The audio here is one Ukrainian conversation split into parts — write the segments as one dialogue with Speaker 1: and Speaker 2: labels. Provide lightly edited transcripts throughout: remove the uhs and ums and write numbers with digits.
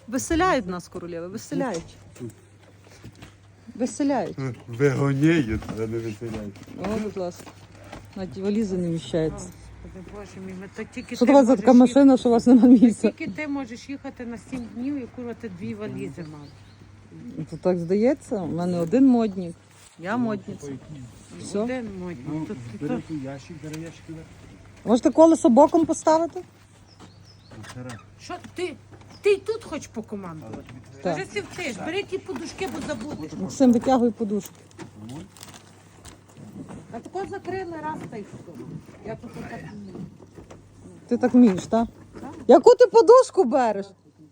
Speaker 1: Виселяють нас, королеви, виселяють. Виселяють.
Speaker 2: Вигоняють, а не виселяють.
Speaker 1: О, будь ласка. На ті валізи не вміщається.
Speaker 3: Господи, Боже мій, то тільки
Speaker 1: Що
Speaker 3: ти
Speaker 1: у вас за така
Speaker 3: можеш
Speaker 1: машина, що у вас немає місця?
Speaker 3: Тільки ти можеш їхати на 7 днів і курва ти 2 валізи мав.
Speaker 1: То так здається, у мене один модник. Я модниця. Все.
Speaker 3: Один модний.
Speaker 2: Бери ящик, бери ящик.
Speaker 1: Можете колесо боком поставити?
Speaker 3: Що ти? Ти й тут хочеш покомандувати?
Speaker 1: Так.
Speaker 3: Кажи, сівтиш, бери ті подушки, бо забудеш.
Speaker 1: Максим, витягуй подушку.
Speaker 3: А тако закрили раз та й все. Я тут так вмію.
Speaker 1: Ти так вмієш, так? Яку ти подушку береш?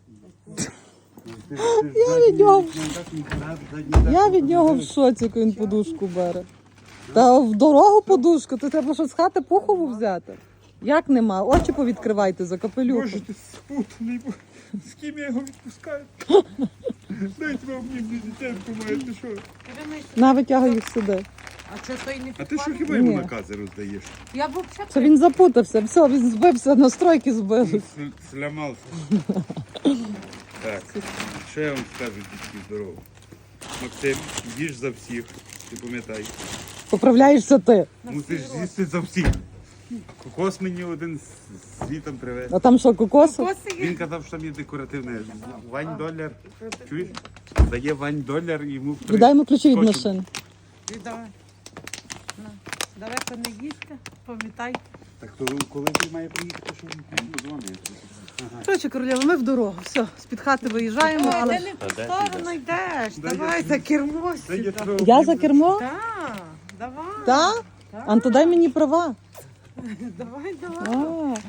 Speaker 1: Я від нього в шоці, як він подушку бере. Та в дорогу подушку, то треба що з хати пухову взяти. Як нема? Очі повідкривайте за капелюху.
Speaker 2: Боже, ти спутаний, з ким я його відпускаю? Дайте вам мені дитинку має, ти що?
Speaker 1: На, витягуй їх сюди.
Speaker 3: А що той не
Speaker 2: А ти що
Speaker 3: підпалив?
Speaker 2: хіба йому
Speaker 1: Ні.
Speaker 2: накази роздаєш?
Speaker 3: Я б взагалі...
Speaker 1: Це він запутався, все, він збився, настройки збили.
Speaker 2: Слямався. Так, що я вам скажу, дітки, здорово. Максим, їж за всіх, ти пам'ятай.
Speaker 1: Поправляєшся ти.
Speaker 2: Мусиш з'їсти за всіх. Кокос мені один звітом привез.
Speaker 1: А там що, кокоси?
Speaker 2: Він казав, що там є декоративне. Вань доляр. Чуєш? Дає Вань доляр і йому
Speaker 1: Віддай йому ключі від машини.
Speaker 3: Віддай. На. Далеко не їсти, пам'ятай.
Speaker 2: Так то коли ти має приїхати, що він подзвонить?
Speaker 1: Коротше, королева, ми в дорогу. Все, з-під хати виїжджаємо,
Speaker 3: Ой,
Speaker 1: але...
Speaker 3: ти не в ту сторону йдеш.
Speaker 2: Дай
Speaker 3: Давай
Speaker 2: я-
Speaker 3: за кермо
Speaker 2: Це є
Speaker 3: сюди.
Speaker 2: твого
Speaker 1: Я за кермо?
Speaker 3: Так, давай.
Speaker 1: Так? Анто, дай мені права.
Speaker 3: Давай, давай.
Speaker 1: А,